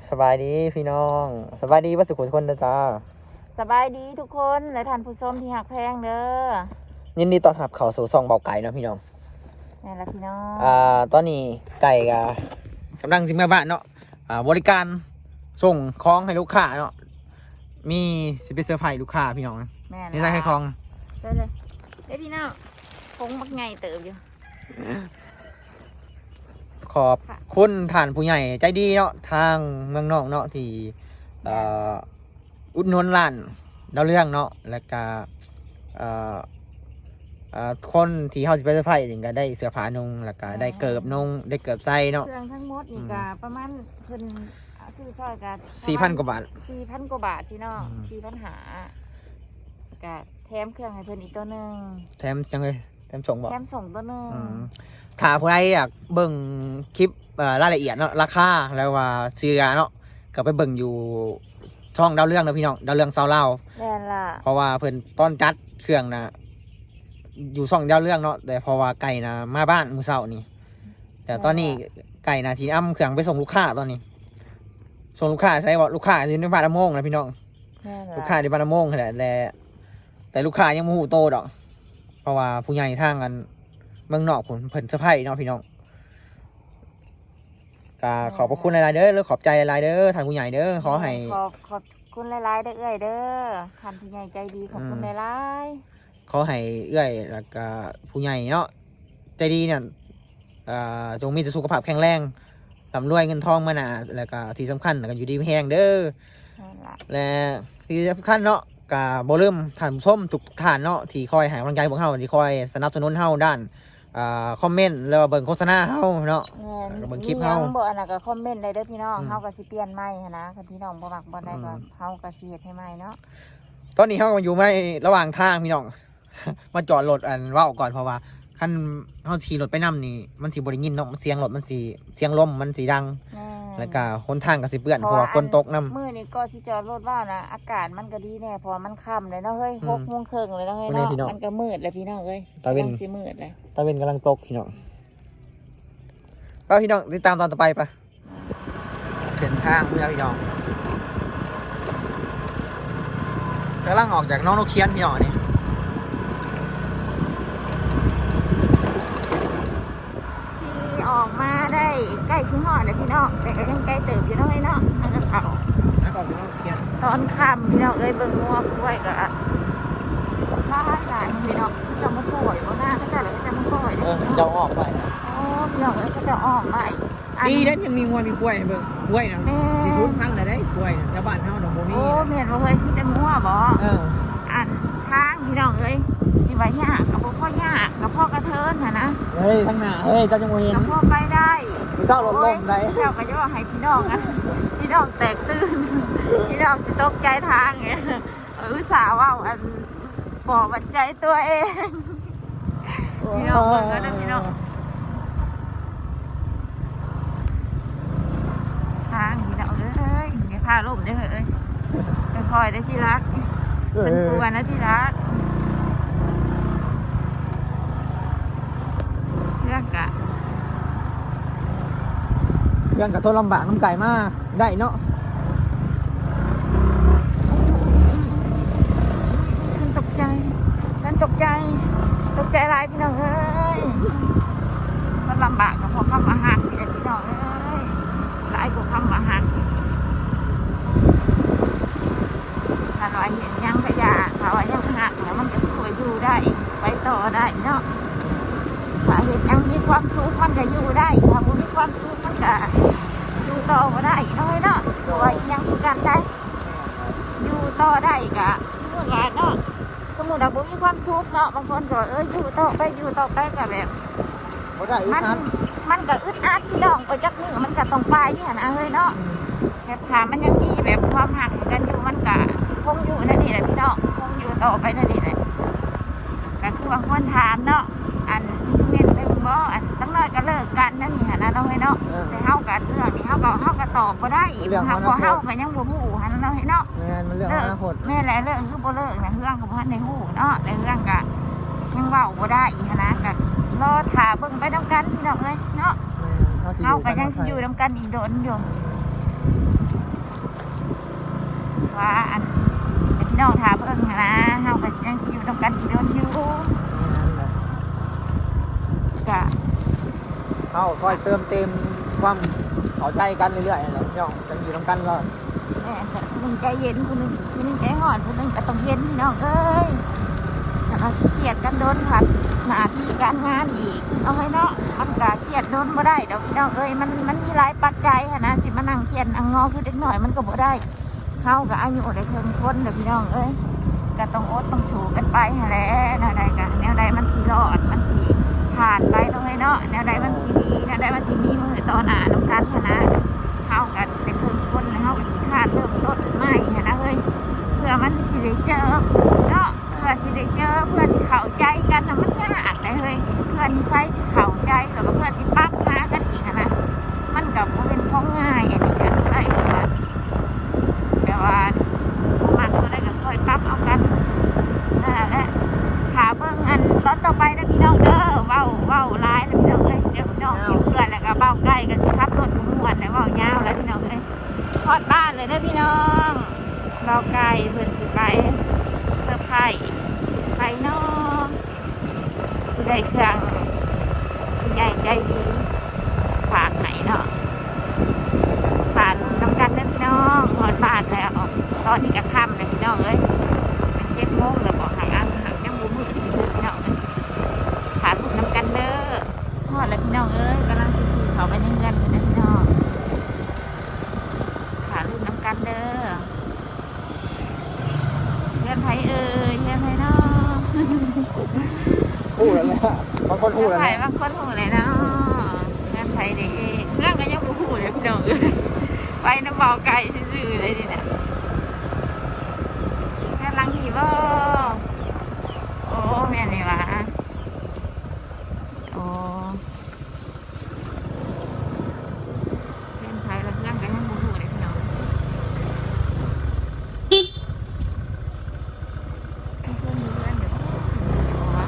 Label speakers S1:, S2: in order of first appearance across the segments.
S1: สบายดีพี่น้องสบายดีว่าสุขุทุกคนนะจ้า
S2: สบายดีทุกคนและท่านผู้ชมที่หักแพงเด้อ
S1: ยินดีต้อนรับเข้าสู่ซองเบาไก่เนาะพี่น้อง
S2: นี่ละพี่น้อง
S1: ตอนนี้ไก่กำลังสิมาบ้านเนาะบริการส่งของให้ลูกค้าเนาะมีสิไปเซอร์ไพรส์ลูกค้าพี่น้องนี่ใช่ให้ของ
S2: ได้เลยเด้พี่น้องคงมักไงเติบอยู่
S1: ขอบคุณท่านผู้ใหญ่ใจดีเนาะทางเมืองนอกเนาะที่อุดหนุนร้านดาวเรื่องเนาะแล้วก็คนที่เขาจะไปเซอร์ไพรส์นี่ก็ได้เสื้อผ้านุ่งแล้วก็ได้เกิบนุ่งได้เกิบใส่เนาะ
S2: เครื่องทั้งหมดนี่ก็ประมาณเพิ่นซื้อซอยกัน
S1: 4,000 กว่าบาท
S2: 4,000 กว่าบาทพี่น้อง4,000หาก็แถมเครื่องให้เพิ่นอีกตัวนึง
S1: แถมจังเลยแถมส่งบ่
S2: แถมส่งตัวนึง
S1: ถ้าผู้ใดอยากเบิ่งคลิปรายละเอียดเนาะราคาแล้วว่าเสื้อเนาะก็ไปเบิ่งอยู่ช่องดาวเรื่องนะพี่น้องดาวเรื่องซาวเล่า
S2: แม่นล่ะ
S1: เพราะว่าเพิ่นต้อนจัดเครื่องนะอยู่ช่องดาวเรื่องเนาะแต่เพราะว่าไก่นะมาบ้านมื้อเช้านี่แต่ตอนนี้ไก่นะสิอ้ำเครื่องไปส่งลูกค้าตอนนี้ส่งลูกค้าใช่บ่ลูกค้าอยู่ในบ้านละโมงนะพี่น้องลูกค้าในบ้านละโมงแหละแต่ลูกค้ายังบ่ฮู้โตดอกเพราะว่าผู้ใหญ่ทางกันเมืองนอกเพิ่นเซอร์ไพรส์เนาะพี่น้องก็ขอบพระคุณหลายๆเด้อแล้วขอบใจหลายๆเด้อท่านผู้ใหญ่เด้อขอให้
S2: ขอบคุณหลายๆเด้อเอ้ยเด้อท่านผู้ใหญ่ใจดีขอบคุณหลาย
S1: ๆขอให้เอ้ยแล้วก็ผู้ใหญ่เนาะใจดีเนี่ยจงมีแต่สุขภาพแข็งแรงร่ำรวยเงินทองมาหนาแล้วก็ที่สำคัญแล้วก็อยู่ดีมีแรงเด้อและที่สำคัญเนาะก็บ่ลืมท่านผู้ชมทุกท่านเนาะที่คอยให้กำลังใจพวกเฮาที่คอยสนับสนุนเฮาด้านคอมเมนต์แล้วเบิ่งโฆษณาเฮาเนาะเบิ่งคลิปเฮา
S2: บ่อันนั้นก็คอมเมนต์ได้เด้อพี่น้องเฮาก็สิเปลี่ยนใหม่นะคันพี่น้องบ่มักบ่ได้ก็เฮาก็สิเฮ็ดให้ใหม่เนาะ
S1: ตอนนี้เฮาก็อยู่ไม่ระหว่างทางพี่น้องมาจอดรถอันเว้าก่อนเพราะว่าคันเฮาขี่รถไปนำนี่มันสิบ่ได้ยินเนาะเสียงรถมันสิเสียงลมมันสิดังแล้วก็หนทางก็สิเปื้อนเพราะว่าฝนตกนำ
S2: มื้อนี้ก็สิจอดรถว่านะอากาศมันก็ดีแน่เพราะมันค่ำเลยเนาะเฮ้ย 6:30 เลยเนาะเฮ้ยเนาะมันก็มืดแล้วพี่น้องเอ้ย
S1: ตะเว้น
S2: สิมืดเลย
S1: ตะเว้นกำลังตกพี่น้องไปพี่น้องติดตามตอนต่อไปปะเส้นทางเมื่อพี่น้องกำลังออกจากน้องนกเคียนพี่น้องนี่
S2: ที่ออกมาได้ใกล้ชิงหอดเลยพี่น้องแต่ก็ยังใกล้เติบอยู่น้อยเนาะมันก็เขาตอนค่ำพี่น้องเอ้ยเบิ่งงัวกล้วยก็หลายพี่น้องก็จะมาป่วยเพราะหน้าก็จะแล้วก็จะมาป่วย
S1: จะออกไป
S2: พี่น้องเอ้ยก็จะออกไป
S1: ดีเด้ยังมีงัวมีกล้วยเบิ่งกล้วยนะสีชุดพังเลยได้กล้วยชาวบ้านเฮาดอกโมมี่
S2: โอ้เมียนบ่เคยมีแต่งัวบ่อันทางพี่น้องเอ้ยสิไว้ยากกับพ่อยากกับพ่อกระเทินหั่นนะ
S1: เฮ้ยทางหน้าเฮ้ยเจ้าจังบ่เห็น
S2: กับพ่อไปได้
S1: เจ้ารถล้มได้
S2: เจ้าก็ย่อให้พี่น้องนะพี่น้องแตกตื่นพี่น้องสิตกใจทางเนี่ยอุตส่าห์ว่าอันปอบัดใจตัวเองพี่น้องเบิ่งกันนะพี่น้องทางพี่น้องเอ้ยอย่าพาล่มได้เอ้ยคอยได้ที่รักฉันกลัวนะที่รักเรื่อง
S1: กะทนลำบากน้ำไก่มากได้เนาะ
S2: ฉันตกใจหลายพี่น้องเอ้ยมันลำบากกับพอคำอาหารพี่น้องเอ้ยหลายกว่าคำอาหารถ้าเราเห็นยังขยะถ้าว่ายังหักแล้วมันก็คือว่าอยู่ได้ไปต่อได้เนาะถ้าเห็นยังมีความสุขมันก็อยู่ได้ถ้าไม่มีความสุขมันก็อยู่ต่อก็ได้เนาะเพราะว่ายังคือกันได้อยู่ต่อได้กะสมมติว่าเนาะสมมติว่าบุมีความสุขเนาะบางคนก็อยู่ต่อไปก็แบบมันก็อึดอัดพี่น้องไปจักมือมันก็ต้องไปนะเฮ้ยเนาะแบบถามมันยังมีแบบความหักกันอยู่มันก็สิคงอยู่นั่นนี่แหละพี่น้องคงอยู่ต่อไปนั่นนี่แหละก็คือบางคนถามเนาะอันเม็ดไปบ่อันตั้งน้อยก็เลิกกันนั่นนี่นะเนาะเฮ้ยเนาะแต่เฮากันเรื่องนี้เฮาก็ตอบบ่ได้เฮาก็ยังบ่ฮู้หันเนาะเฮ้ยเนาะ
S1: มันเรื่องอนาคต
S2: แม่แหละเรื่องคือบ่เลิกนะเรื่องก็บ่ทันได้ฮู้เนาะในเรื่องก็ยังเว้าบ่ได้อีหันนะก็รอถ่าเบิ่งไปนำกันพี่น้องเอ้ยเนาะเฮาก็ยังสิอยู่นำกันอีกโดนอยู่ว่าอันเป็นพี่น้องถามเพิ่งนะเฮาก็ยังสิอยู่ตรงกันอีกโดนอยู่กะ
S1: เขาคอยเติมเต็มความเข้าใจกันเรื่อยๆนั่นแหละพี่น้องจะอยู่ร่วมกันก็
S2: แม่แต่ผู้หนึงใจเย็นผู้หนึงใจห่อนผู้หนึงก็ต้องเย็นพี่น้องเอ้ยแต่เราเครียดกันโดนผัดหน้าที่การงานอีกเอาไว้เนาะมันก็เครียดโดนบ่ได้ดอกพี่น้องเอ้ยมันมีหลายปัจจัยนะสิมานั่งเครียดอังงอคือเด็กหน่อยมันก็บ่ได้เฮาก็อายุได้เพิ่งคนเด้อพี่น้องเอ้ยก็ต้องอดต้องสู้กันไปหั่นแหละแนวใดก็แนวใดมันสิรอดมันสิผ่านไปเนาะเฮ้ยเนาะแนวใดมันสิดีแนวใดมันสิมีมือต่อหน้านํกันหั่นนะเฮากันเป็นเพิ่งคนแล้วเฮาก็สิคร้านเริ่มต้นใหม่หั่นนะเฮ้ยเพื่อมันสิได้เจอเนาะเพื่อสิได้เจอเพื่อสิเข้าใจกันน่ะมันยากได้เฮ้ยเพื่อนิสัยสิเข้าใจแล้วก็เพื่อสิปรับหากันอีกหั่นนะมันก็บ่เป็นของง่ายอันนี้ก็คือได้คือว่าแต่ว่าบ่มักก็ได้ก็ค่อยปรับเอากันนั่นแหละถ้าเบิ่งอันตอนต่อไปนะพี่น้องเด้อเว้าหลายแล้วพี่น้องเอ้ยเดี๋ยวพี่น้องสิเพื่อนแล้วก็เว้าใกล้ก็สิขับรถม่วนแล้วเว้ายาวแล้วพี่น้องเอ้ยฮอดบ้านเลยเด้อพี่น้องเว้าใกล้เพิ่นสิไปเซอร์ไพรส์ไปเนาะสิได้เครื่องผู้ใหญ่ใจดีฝากให้เนาะฝากลูกน้ำกันเด้อพี่น้องฮอดบ้านแล้วตอนนี้ก็ค่ำแล้วพี่น้องเอ้ยเป็น7 โมงแล้วบ่ห่างยังบ่มืดซื่อๆพี่น้องเอ้ยฝากลูกน้ำกันเด้อฮอดแล้วพี่น้องเอ้ยกำลังสิขี่เข้าไปในเรือนกันนะพี่น้องฝากลูกน้ำกันเด้อเรือนไผเอ้ยเรือนไผเนาะ
S1: พูดแล้วเนี่ยบางคนพูด
S2: เรื
S1: แล้ว
S2: อนไผ
S1: เนี่ย
S2: บางคนหูเลยเนาะเรือนไผเด้เรื่องก็ยังบ่หูเลยพี่น้องเอ้ยไปน้ำเบาไก่ซื่อๆเลยนี่เนี่ยกำลังขี่บ่โอ้แม่นี่หวะโอ้เรือนไผแล้วเรื่องก็ยังบ่หูเลยพี่น้องเพื่อนอยู่เพื่อนเดี๋ยววะ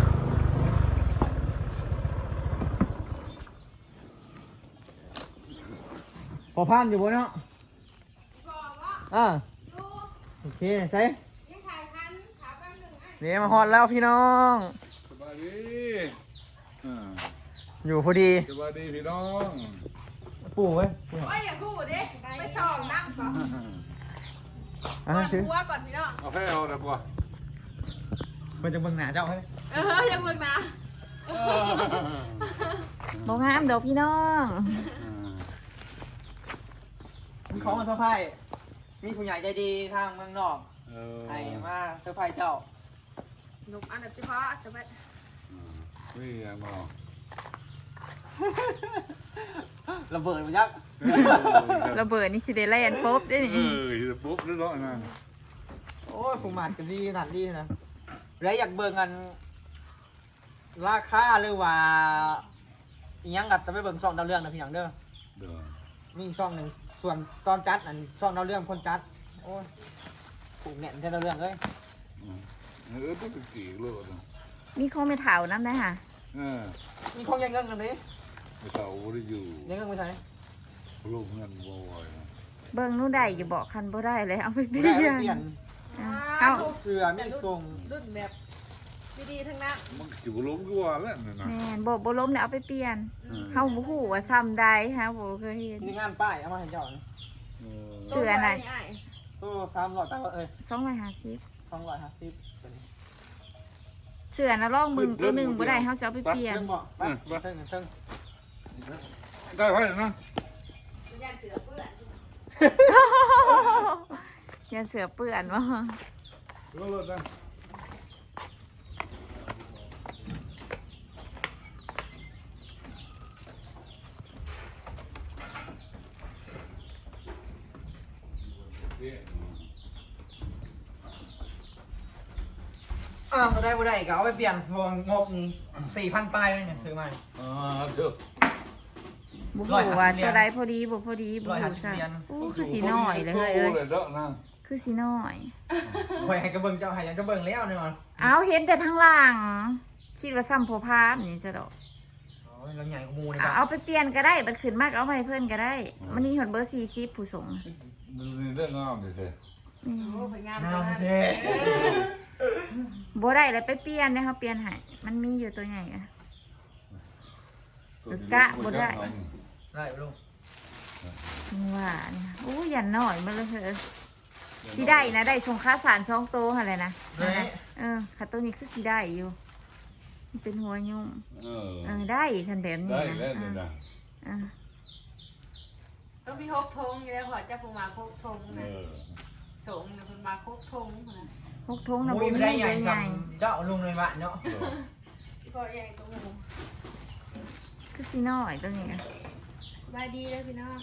S1: พอผ่านอยู่บนเนาะอ่าโอเคใช่นี่มาฮอดแล้วพี่น้อง
S3: สบายดีอ่า
S1: อยู่พอดี
S3: สบายดีพี่น้อง
S1: ปู่เว้ย
S4: โอ้ยอย่าพูดดิไปส่องนั่งก่อน
S1: อ่ะ
S4: ก่อน
S1: ถือ
S4: หัวก่อนพี่น้อง
S3: เอาให้เอาแต่บ่
S1: มันจะเบิ่งหน้าเจ้าเฮ้ย
S4: ยังเบิ่งนะ
S2: บ่งามดอกพี่น้อง
S1: มีของมาเซอร์ไพรส์มีผู้ใหญ่ใจดีทางเมืองนอก
S3: เออ
S1: ให้มาเซอร์ไพรส์เจ้า
S4: หนุ่มอันดับที่พอจะไป
S3: นี่ยังบ่
S1: ระเบิดมันยักษ์
S2: ระเบิดนี่สิได้แล่นปุ๊บได้
S3: เอ
S2: นี่
S3: อปุ๊บเรียบร้อยนะ
S1: โอ้ยผู้หมัดกันดีขนาดดีนะแล้วอยากเบิ่งกันราคาหรือว่าอิหยังกัดจะไปเบิ่งช่องดาวเรื่องนะพี่หยังเด้อ
S3: เด้อ
S1: มีอีกช่องหนึ่งส่วนตอนจัดอันช่องดาวเรื่องคนจัดโอ้ยผูกแน่นแท้ดาวเรื่องเลย
S3: เออต้องเป็นกี่โลดนะ
S2: มีของไม่เถาน้ำได้ค่ะ
S3: เออ
S1: มีของยังเงินตรงนี้
S3: ไม่เต่าบ่ได้อยู่
S1: ยังเงินไม่ใช่
S3: ลูกเงินบ่ไหวนะ
S2: เบิ่งนู่นได้อยู่บอกคันบ่ได้เลยเอาไปเป
S1: ไม่
S2: ลี่
S1: ได้
S2: ย
S1: เอา
S2: น
S1: ไปเปลี่ยน
S2: เอา
S1: เสื้อมีทรง
S4: รุ่นแบบดีๆทั้งนั้น
S3: มันสิบ่ล้มก็ว่าแล้วนั่นน่ะ
S2: แม่นบ่ล้มเนี่ยเอาไปเปลี่ยน
S3: อืม
S2: เฮาบ่ฮู้ว่าซ้ำได้ฮะบ่เคยเห็น
S1: มีงานป้ายเอามาให้เจ้านี่
S3: เออ
S2: เสื้อไหน
S1: ตัว300ไปว่า
S2: 250
S1: 250เป็น
S2: เสื้อน่ะลองมึงตัวหนึงบ่ได้เฮาสิเอาไปเปลี่ยน
S1: เพิ่งบอกไปเพิ่ง
S3: ได้ไว้นะ
S4: ยันเสือเปื้อน
S2: อย่าเสือเปื้อนว่า
S3: รถนะ
S1: อ้าวจะได้บ่ได้ก็เอาไปเปลี่ยนวงงบนี้4,000ปลายเลยเนี่ยถือมา
S3: เด้อ
S2: บ่ฮู้ว่าตัวใดพอดีบ่พอดีบ่ฮู้
S1: 150
S2: ซะ
S1: เหรียญ
S2: โอ้คือสีน้อยเลยเฮ้ยเอ้ย
S3: เลยเด้อนะ
S2: คือสีน้อย
S1: คอยให้กระเบิงเจ้าให้ยังกระเบิงแล้วเนี่ยมัน
S2: เอาเห็นแต่ทางหลังคิดว่าซ้ำโพพามนี่ซะดอก
S1: โอ้ยเราใหญ่กว่าหมูเลย
S2: เอาไปเปลี่ยนก็ได้บัดขึ้นมากเอาไปเพิ่นก็ได้ มันมีหดเบอร์40ผู้ส่ง
S3: มันเรื่องงามดิเซ่
S2: นี่
S4: โอ้เป็นงาม
S1: งาม
S4: มาก
S1: เท่
S2: บ่ได้แล้วไปเปลี่ยนนะคะเปลี่ยนให้มันมีอยู่ตัวใหญ่อะ กะบ่ได้
S1: ได้ลุง
S2: ว่าเนี่ยโอ้ยันหน่อยมาเลยเถอะสิได้นะได้ส่งค่าสาร2 โตวอะไรนะ
S1: นี่
S2: ค่ะตัวนี้คือสิได้อยู่มันเป็นหัวยุ่ง
S3: เออ
S2: ได้คันแบบนี้
S3: ได้
S2: นะ
S3: แล้วเนี่ยนะ
S4: ต้องมี6 ธงอยู่แล้วพอจะพูมา6 ธง
S3: เอ
S4: นะ
S3: อ
S4: สงนะพูมา6 ธงนะ
S2: 6 ทงนะ
S1: มุ้
S2: บ่
S1: ย
S2: มี
S1: ไม่ได้ใหญ่
S2: ให
S1: ซ้
S2: ญ่
S1: ำเจ้าลุงเลยบ้านเนาะ
S4: พี่พ่อใหญ่ตัวหมู
S2: คือสิน้อยตัวนี้อะ
S4: สบายดีเลยพี่น้อง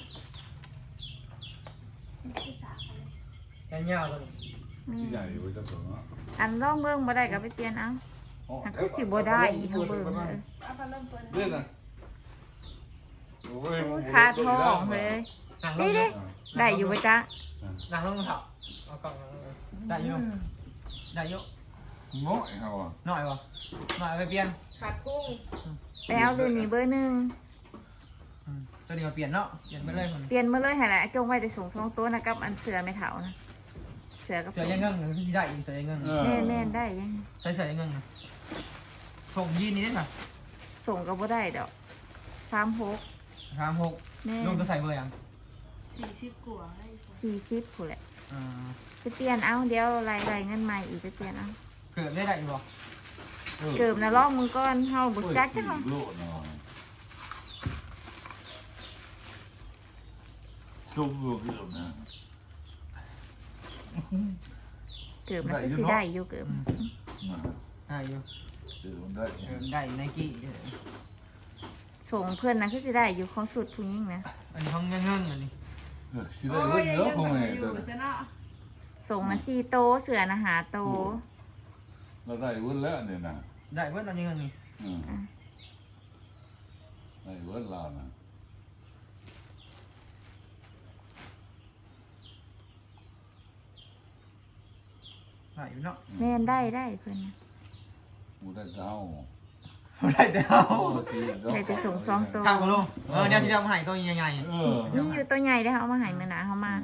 S1: ยาวๆตัวนี้
S3: ที่ใหญ่ไว้จะถึงอ่ะ
S2: อันร่องเบิ่งบ่ได้ก็ไปเปลี่ยนเอาอันคือสิบ่ได้อีกเฮาเบิ่งเลย
S4: เอาพัดลมเปิด
S3: เล่นนะโอ้ย
S2: คาท้องเลย
S1: นั่งล
S2: นี่
S1: ง
S2: ดิได้อยู่บ่จ๊ะ
S1: นั่งลงเถอะเอากล่องได้อยู่ได้อยู่
S3: ง่อยเขาอ่ะ
S1: หน่อยวะหน่อยไปเปลี่ยน
S4: ขาดกุ้ง
S2: ไปเอาตัวนี้เบอร์1
S1: ตัวนี้มาเปลี่ยนเนาะเปลี่ยนไปเลยคน
S2: เปลี่ยนมาเลยหั่นแหละจงไว้แต่สูง2 ตัวนะกับอันเสือไม่เฒ่านะเสือกับ
S1: เสือยังเงิ่งเลยพี่ได้อีกเสือยังเงิ่ง
S2: แม่นได้ยัง
S1: ใส่เสือยังเงิ่งส่งยีนนี้ได้ไหม
S2: ส่งก็บ่ได้ดอก36
S1: 36
S2: แม่
S1: ลุงจะใส่เบอร์ยัง
S4: 40กว่าให้
S2: 40ผู้นแหละ
S1: อ่า
S2: ไปเปลี่ยนเอาเดี๋ยวรายเงินใหม่อีกไปเปลี่ยนเอา
S1: เกิดได้อยู่บ่
S2: เกิบนะลอกมือก่อนเฮาบ่จักจังเฮา
S3: โลดหน่อยจุ่มลูกเกือบนะ
S2: เกิบนะคือสิได้อยู่เกิบ
S1: ได้อยู่
S3: เกือบได้
S1: ได้ไนกี้
S2: ส่งเพิ่นนะคือสิได้อยู่ของสุดผู้หญิงนะ
S1: อันนี้ห้องยังเงิ่งอันนี้
S3: สิได้เว้ยเยอะคงไง
S4: อยู่ซะเนาะ
S2: ส่งนะ4 โตเสือนะ5 โต
S3: เราได้เว้ยแล้วเนี่ยนะ
S1: ได้เพิ่นตอนยังเงิ่งนี่
S3: ได้เว้ยเรานะ
S1: ได้อยู่เนาะ
S2: แม่นได้เพิ่นนะ
S3: มูได้เจ้า
S1: ได้แต่เอา
S2: ได้แต่ส่ง2 โต
S1: ข้างกับลุงเดี๋ยวที่เรามาให้ตัวใหญ่
S3: เออ
S2: มีอยู่ตัวใหญ่ได้อเฮาเอามาให้มื้อหน้าเฮามา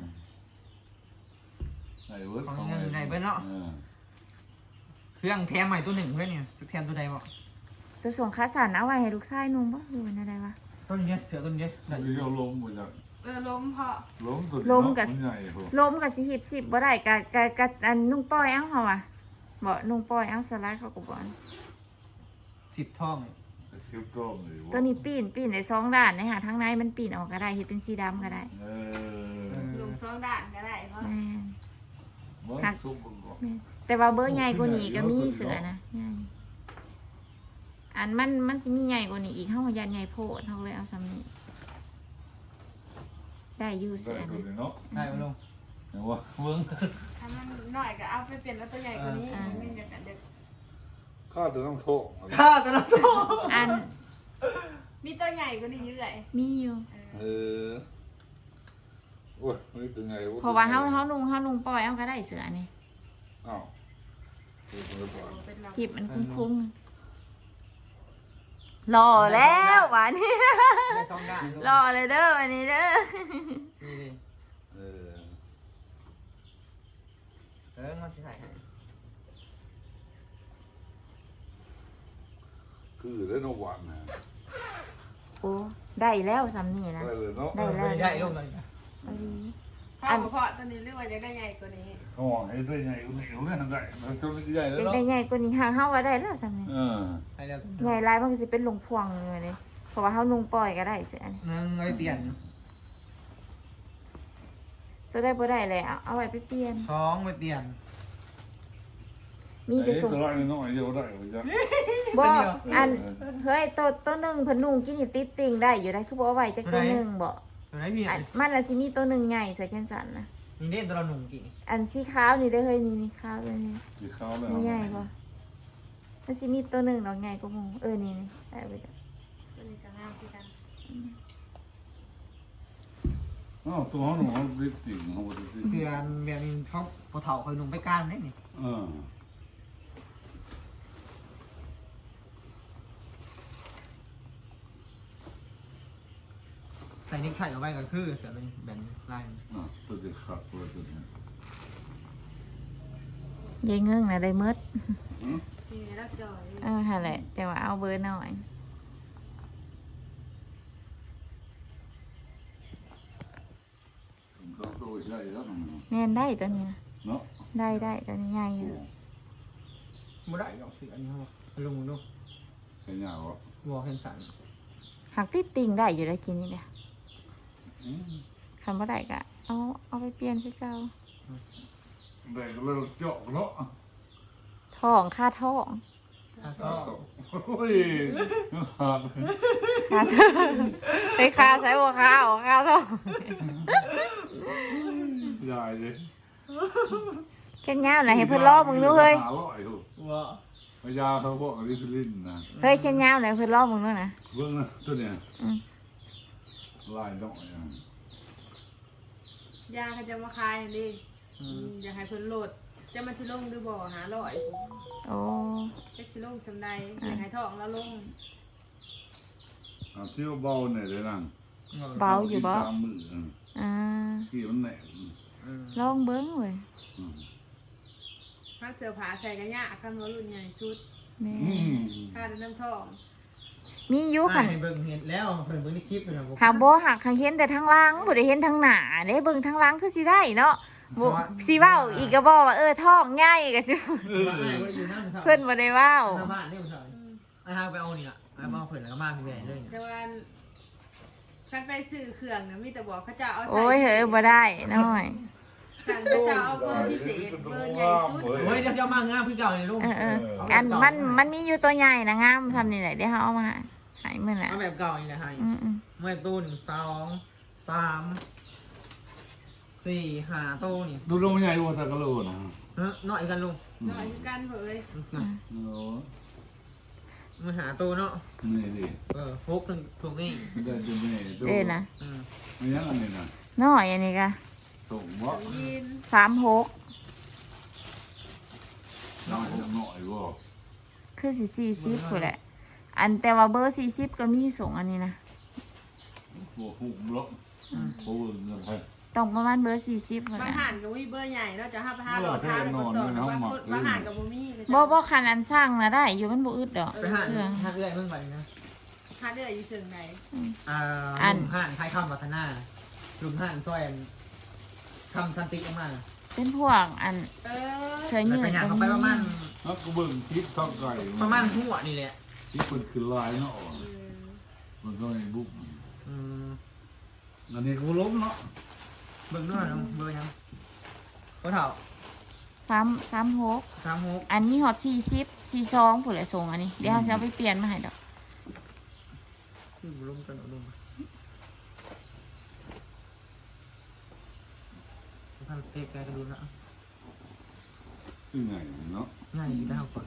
S3: ได้เว้ย
S1: ๆของยังได้เพิ่นเนาะเครื่องแถมใหม่ตัวหนึ่งเพื่อนเนี่ยแถมตัวใดบ่
S2: ตัวส่งค่าสารเอาไว้ให้ลูกชายนุ่งบ่หรือว่าได้วะ
S1: ตัวนี้เสือตัวนี้ได้
S3: เดี๋ยวล้มไปจาก
S4: ล้มเพาะ
S3: ล้มตัว
S2: ล้มกับ
S3: ใหญ่พอ
S2: ล้มก็สิหิบ10บ่ได้กะอันนุ่งป้อยเอาเฮาอ่ะบ่นุ่งป้อยเอาสไลด์เขาก็บ่อัน
S1: 10ท่อง
S3: เชียวต้มเลย
S2: ตัวนี้ปีนได้2 ด้านนะฮะทางในมันปีนออกก็ได้เฮ็ดเป็นสีดำก็ได้
S3: เออ
S4: ลุงสองด่านก็ได้เพราะ
S2: แม่น
S3: มันซุปมันก็
S2: แต่ว่าเบอร์ใหญ่กว่านี้ก็มีเสือนะใหญ่อันมันสิมีใหญ่กว่านี้อีกเฮายันใหญ่โพดเฮาเลยเอาซ้ำนี้ได้อยู่
S3: ได้
S2: เสือ
S3: ตัว
S2: นะ
S3: นี้เนาะ
S1: ได้บ่ลุง
S3: เห็นว่าเบิ้ง
S4: ถ้ามันหน่อยก็เอาไปเปลี่ยนแล้วตัวใหญ่กว่านี้ไม่อยากกันเด็ก
S3: ข้าจะต้องโทษ
S1: ข้าแต่ละตัว
S2: อัน
S4: มีตัวใหญ่กว่านี้เยอะเลย
S2: มีอยู่
S3: เออโอ้ยนี่ตัวไง
S2: เพราะว่าเฮานุ่งปล่อยเอาก็ได้เสือนี่
S3: อ้าวตัวนี้ก่อน
S4: เป็นเรา
S2: หยิบมันคุ้งๆรอแล้ววันนี้
S1: ได้2ด้าน
S2: รอเลยเด้อวันนี้เด้อ
S1: นี่ดิ
S3: เออ
S1: มันสิใส่ให้
S3: คือได้นวันนะ
S2: โอ้ได้แล้วซ้ำนี่นะ
S3: ได้เลยเนาะ
S2: ได้แล้ว
S1: ได้ลุงเลย
S2: เอาดี
S4: พ่อเพาะตัวนี้เรียกว่าจะได้ใหญ่กว่านี้
S3: ห่อให้ได้ไงก็ไม่รู้เรื่องได้มันตัวนี้ใหญ่แล้ว
S2: เด็ก
S3: เนาะ
S2: ได้ใหญ่กว่านี้ห่างเฮาว่าได้แล้วซ้ำนี่
S3: เออ
S1: ให้แล้ว
S2: ใหญ่ลายมันก็สิเป็นลงพวงเลยนี่เพราะว่าเฮานุ่งปล่อยก็ได้เสือนี่
S1: นึงเอาไปเปลี่ยน
S2: ตัวได้บ่ได้เลยเอาไว้ไปเปลี่ยน
S1: 2ไปเปลี่ยน
S2: มีแต่ส่ง
S3: ตัวน้อยเดียวได้จ้ะ
S2: บ่อันเฮ้ยตัวหนึงเพิ่นนุ่งกินนี่ติดติ่งได้อยู่ได้คือบ่เอาไว้จักตัวหนึงบ่
S1: ตัวไหนพี่
S2: อันมันน่ะสิมีตัวหนึงใหญ่ใส่แขนสั้นนะ
S1: นี่เด่นตัวเราหนุ่มกี่
S2: อันสีขาวนี่เด้อเฮ้ยนี่ขาวเลยนี่
S3: สีขาวเลย
S2: บ่ใหญ่บ่มันสิมีตัวหนึงดอกใหญ่กว่าหมู่นี่ได้ไปจ้ะ
S4: ตัวนี้จะงามที่กัน
S3: อ๋อตัวหนูเขาดิบจริงเขาดิบจริง
S1: คืออันแบบนี้เขาพอเฒ่าเขาหนุ่มไปก้านได้นี่
S3: เออ
S1: ใส่นิ้วไข่เอาไว้ก็คือเสือเป็นแบบลาย
S3: ตัวเด็กขัดตัวนี้
S2: ยายเงื่งน่ะได้หมด
S4: นี่รักจอย
S2: หั่นแหละจังว่าเอาเบอร์หน่อย
S3: เขาโตอีกได้แล้ว
S2: แม่นได้ตัวนี้นะ
S3: เนาะ
S2: ได้ตัวนี้ใหญ่อยู่
S1: บ่ได้ดอกเสืออันนี้ครับลงดู
S3: แค่ยาวอ่ะ
S1: บ่เห็นสัน
S2: หักติดติ่งได้อยู่ได้กินนี่เด้อคันบ่ได้ก็เอาไปเปลี่ยนคือเก่า
S3: แบ่งกันเลยเจาะเนาะ
S2: ท้องค่าท้อง
S1: ก็
S3: โอ้ย
S2: ค่าท้องไปค่าใช้หัวค่าท้อง
S3: ใหญ่เลย
S2: แค่ยาวน่ะให้เพิ่นล้อมึงดูเฮ้ย
S1: ว่า
S3: พยาเขาบอกอันนี้คือลิ้นนะ
S2: เฮ้ยแค่ยาวน่ะให้เพิ่นล้อมึงดูนะ
S3: เบื้องนะตัวเนี้ย
S2: อืม
S3: ลายดอกอย่าง
S4: ยาเขาจะมาคายดิอยากให้เพิ่นโหลดจะมาชิลงหรือบ่หาลอย
S2: โอ้
S4: เจ็กชิลงจำได้อยากให้ท้องแล้วลง
S3: ที่เบาเนี่ยเลยนั่ง
S2: เบาอยู่บ่
S3: ตามมือ
S2: อ่า
S3: ที่มันแหน
S2: ลองเบิ่งเว้ย
S4: ผ้าเสื้อผ้าใส่กันยากคันว่ารุ่นใหญ่สุด
S2: แม่
S4: ผ้าเดินน้ำท้อง
S2: มีอยู่คัน
S1: ให้เบิ่งเห็นแล้วเพิ่นเบิ่งในคลิปเลยนะผม
S2: หากบ่หักหักเห็นแต่ทางหล่างบ่ได้เห็นทางหน้าเด้เบิ่งทางหล่างคือสิได้เนาะบ่สิเว้าอีกก็บ่ว่าท้องง่ายก็สิ
S1: ว่าไอ้บ่ได้อยู่นั่น
S2: เพิ่นบ่ได้เว้า
S1: หน้าบ้านนี่ผมสอนไอ้ฮาไปเอานี่ล่ะไอ้บ่เอาเพิ่นแล้วก็มาพี่แม่เลย
S4: แต่ว่าคันไปซื้อเครื่องเนี่ยมีแต่บอกเขาจะเอาใส่
S2: โอ้ยเฮ้ยบ่ได้น้อย
S4: สั่งเขาจะเอาเบอร์พิเศษเบอร์ใหญ่สุด
S1: โอ้ยเดี๋ยวสิเอามางามคือเก่านี่ลุง
S2: อันมันมีอยู่ตัวใหญ่นะงามทำนี่แหละเดี๋ยวเฮาเอามาให้มื้อน่ะ
S1: เอาแบบเก่านี่แหละให้
S2: อืม
S1: เมื่อตู้2 3 4 5ตู้นี่
S3: ดูลงใหญ่กว่าตะกะโลนะ
S1: น้อยกันลุง
S4: หน่อยคือกันเผย
S3: โอ้
S1: มาหาตู้เนาะ
S3: นี่ดิ
S1: ฮกถึงถูกนี่
S3: ไม่ได้จะไม่ดู
S2: เด้นะ
S3: ไม่ยังอันนี้นะ
S2: น้อยอันนี้ก็
S3: ส่งบ่
S4: ยีน
S2: 36
S3: น้อยหน่อยบ่
S2: คือสิ40พุ่นแหละ อันแต่ว่าเบอร์40ก็มีส่งอันนี้นะ
S3: บ่หุ่มล็อกโอ้เงินไทย
S2: ต้องประมาณเบอร์40พุ่น
S4: บาง
S2: น่ะ
S4: หันก็มีเบอร์ใหญ่เนาะจะห้าไปห้าหลอดห้าแล้วก็สอนบางหันกับบ่มี
S2: บ่คันอันสร้างน่ะได้อยู่มันบ่อึดดอก
S1: ไปหา
S2: เครื่อง
S1: เอื้อยเบิ่งไปนะ
S4: หาเดืออยู่เชิงไหน
S1: ลุงห่านไทยคำวัฒนาลุงห่านซอยคำสันติออกมา
S2: เป็นพวกอัน
S4: เออ
S2: เสื้อยืด
S1: แต่อย่าง
S2: ก็
S1: เขาไป
S2: มี
S1: ประมาณ
S3: แล้วก็เบิ่งคลิปท้องไก่
S1: หัวนี่แหละ
S3: ที่เปิดคือลายเนาะมันก็ในบุ๊กอันนี้กูล้มเนาะ
S1: เบิ่งด้วยเบอร์ยังก็เท่า
S2: 36
S1: 36
S2: อันนี้ฮอต42พุ่นแหละส่งอันนี้เดี๋ยวเฮาสิเอาไปเปลี่ยนมาให้ดอก
S1: คือบุรุมกันบุรุมท่านเตะแกกระดูนะ
S3: คือไงเนาะ
S1: ง่ายอยู่ดาวก่อน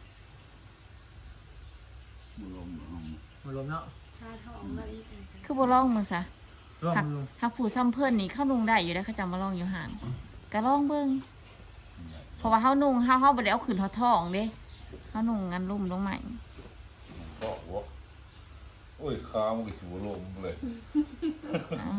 S3: มันล้ม
S1: บุรุมเนาะ
S4: หาท้องแล้วอีก
S2: คือบ่ลองมึงซะ
S1: ร่วมบุรุม
S2: ถ้าผู้ซ้ำเพิ่นนี่เข้านุ่งได้อยู่ได้อเขาจำมาลองอยู่ห่านก็ลองเบิ่งเพราะว่าเฮานุ่งเฮาบ่ได้เอาขึ้นเฮาท้องเด้เฮานุ่งกันลุ่มลงใหม่
S3: บอกว่าโอ้ยขามันก็สิบล้มเลย
S2: อ๋อ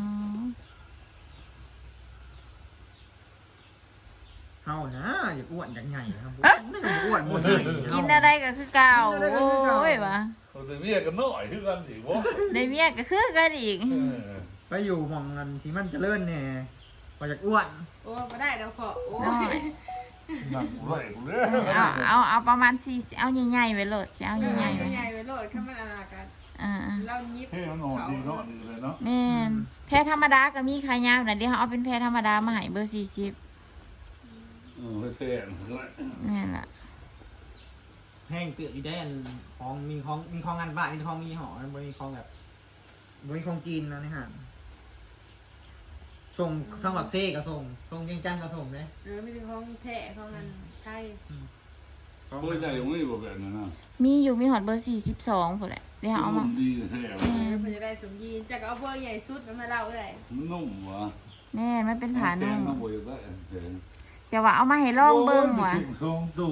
S1: เฮานะอย่าอ้วนอย่างไงนะครับไม่อ้วนหมดเลย
S2: กินอะไรก็คือเก่าโอ้ยวะ
S3: เขาจะเรียกกันหน่อยคือกันสิวะ
S2: ได้เมียก็คือกันอีก
S1: ไปอยู่มองกันที่มันจะเลื่อนเนี่ยพอจากอ้วน
S4: โอ้ไม่ได้แล้วพอโอ้
S2: น้อย
S3: หนักเลยกูเลย
S2: เอาประมาณ4เอาใหญ่ๆไว้โลดสิเอาใหญ่ๆไว้
S4: ใหญ่ไปโหลดข้ามันอนากัน
S2: อ่า
S4: เรายิบ
S3: เฮ้ยมันนอนดีเนาะดีเลยเนาะ
S2: ๆแม่นแพรธรรมดาก็มีขายยาวน่ะเดี๋ยวเฮาเอาเป็นแพรธรรมดามาให้เบอร์40
S3: เฮ้ยแค่เลย
S2: แม่นล่ะ
S1: แห้งเตือนอีแดนของมีของงานบ้านมีของมีหอมันมีของแบบมีของกินนะนี่ฮะส่งทางหลักเซ่ก็ส่งเวียงจันทร์ก็ส่งเลย
S4: ไม่ถึงของแท้ของเงินไทย
S3: เฮ้ยใจยังไม่บอกแบบนั้นนะ
S2: มีอยู่มีฮอดเบอร์42พุ่นแหละเดี๋ยวเอามา
S3: ดีแท้
S2: แม่น
S4: เพื่อจะได้สมยีนจะเอาเบอร์ใหญ่สุดมาเล่าเลย
S3: มันนุ่มวะ
S2: แม่นมันเป็นผานุ่ม
S3: น้ำบวยได้แข็ง
S2: จะว่าเอามาให้ลองเบิ่งว่ะ
S3: ทองตู่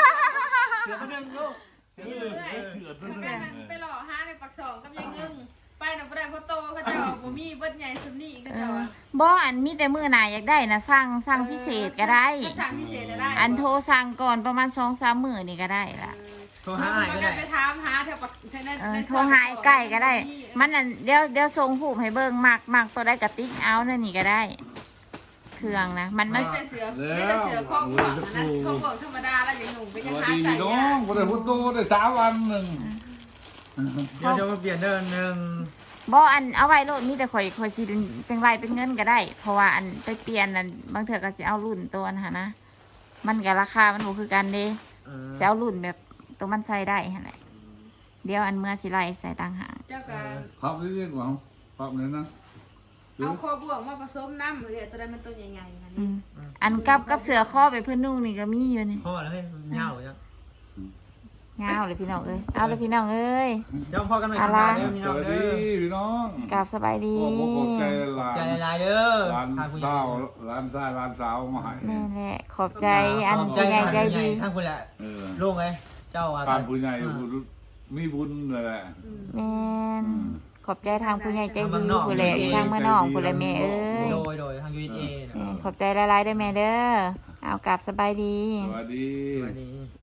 S1: เสือตัวนึงลูก
S3: เชื่อตัว
S4: เพราะฉะนั้นไปหล่อห้าในปักสองกับยังงึ่งไปน่ะบ่ได้เพราะโตเขาเจ้าบ่มีเบิดใหญ่ซุนี่เขาเจ้าอะ
S2: บ่อันมีแต่มื้อหน้าอยากได้นะสั่งพิเศษก็ได้
S4: ถ้าสั่งพิเศษได้
S2: อันโทรสั่งก่อนประมาณ 2-3 มื้อนี่ก็ได้ล่ะ
S1: โทรหาอ้ายก็ได้
S4: ไปถามหาแถวปักใน
S2: โทรหาไอ้ไก่ก็ได้ มันอันเดี๋ยวส่งรูปให้เบิ่งมักตัวได้กระติ๊กเอานั่นนี่ก็ได้ เครื่องนะมัน
S4: ไม่ใช่เสือไม่ใช่เสือข้องหัวนะข้องหัวธรรมดาแล้วอย่างหนุ่มไป
S3: ส
S4: ยัง
S3: วัส
S4: หา
S3: ดี
S4: ใส่
S3: พี่น้อ
S4: เนี่ย
S3: งบ่ได้พุทโตได้3 วันหนึง
S1: เดี๋ยวมาเปลี่ยนเดินหนึ่ง
S2: บ่อันเอาไว้โลดมีแต่ข่อยสิจังไรเป็นเงินก็ได้ เพราะว่าอันไปเปลี่ยนอันบางเทื่อก็สิเอารุ่นตัวนั้นหั่นนะมันก็ราคามันบ่คือกันเด้สิเอารุ่นแบบตัวมันใส่ได้หั่นแหละเดี๋ยวอันเมื่อสิไล่ใส่ต่างหาก
S4: เจ้าการ
S3: ครับนี่ดีกว่าครับนี่นะ
S4: เอาคอบวกมาผสมน้ำเดี๋ยวตัวนั้นมันตัวใหญ่ๆนะ
S2: อื
S4: นี่
S2: มอันกับเสือข้อไปเพื่อนนุ่งนี่ก็มีอยู่นี่
S1: พ่อแล้วให้เหงาจัง
S2: งาวเลยพี่น้องเอ้ยเอาเลยพี่น้องเอ้ย
S1: เดี๋ยวพ่อกันใหม่
S2: อะไร
S1: เด้อพี่
S3: ส
S1: น้อง
S3: วัส
S1: เด้
S3: ดี
S1: อ
S3: พี่น้อง
S2: กราบสบายดี
S3: พ่อขอบใจหลาน
S1: ใจหลายๆเด้อ
S3: หลาน
S1: ทางผู้ใหญ่
S3: สาวหลานชายหลานสาวมาให้
S2: แม่แหละขอบใจอัน
S1: ขอบใจ
S2: ผู้ใหญ่ใจดี
S1: ทางผู้ใหญ่
S3: เออ
S1: ลุงไงเจ้าอา
S3: การผู้ใหญ่มีบุญนั่นแหละ
S2: แม่น
S3: อืม
S2: ขอบใจทางผู้ใหญ่ใจดีผู้ใหญ่ทางเมื่อนอกผู้ใหญ่แม่เอ้ย
S1: โดยทาง USA
S2: แม่นขอบใจหลายๆเด้อแม่เด้อเอากราบสบายดี
S3: สวัสดี
S1: สวัสดี